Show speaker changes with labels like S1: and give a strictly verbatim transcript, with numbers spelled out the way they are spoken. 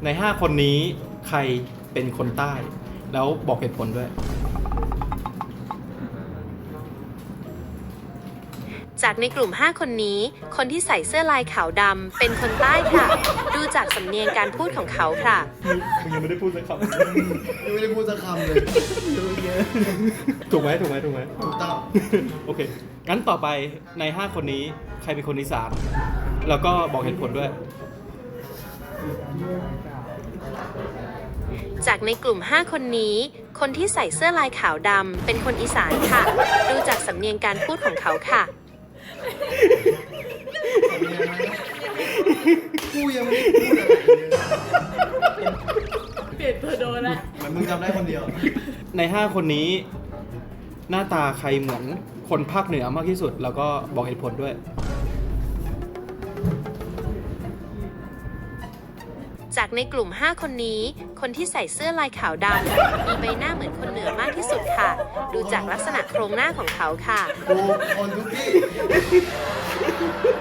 S1: ในห้าคนนี้ใครเป็นคนใต้แล้วบอกเหตุผลด้วย
S2: จากในกลุ่มห้าคนนี้คนที่ใส่เสื้อลายขาวดำเป็นคนใต้ค่ะ ดูจากสำเนียงการพูดของเขาค่ะ
S1: มึงยังไม่ได้พูดสักค
S3: ยังไม่ได้พูดสักคำเลยเยอะ
S1: ำ ถูกไหมถูกไหมถูกไหม
S3: ถูกต้อง
S1: โอเค งั้นต่อไปในห้าคนนี้ใครเป็นคนอีสานแล้วก็บอกเหตุผลด้วย
S2: จากในกลุ่มห้าคนนี้คนที่ใส่เสื้อลายขาวดำเป็นคนอีสานค่ะ ดูจากสำเนียงการพูดของเขาค่ะ
S3: กูยังไม่ได้พูดอะไรเลย
S4: เปลี่ยนตัวโดนละ
S3: เหมือนมึงจำได้คนเดียว
S1: ในห้าคนนี้หน้าตาใครเหมือนคนภาคเหนือมากที่สุด แล้วก็บอกเหตุผลด้วย
S2: จากในกลุ่มห้าคนนี้คนที่ใส่เสื้อลายขาวดำมีใบหน้าเหมือนคนเหนือมากที่สุดค่ะ ดูจากลักษณะโครงหน้าของเขาค่ะ
S3: กูคนทุกที่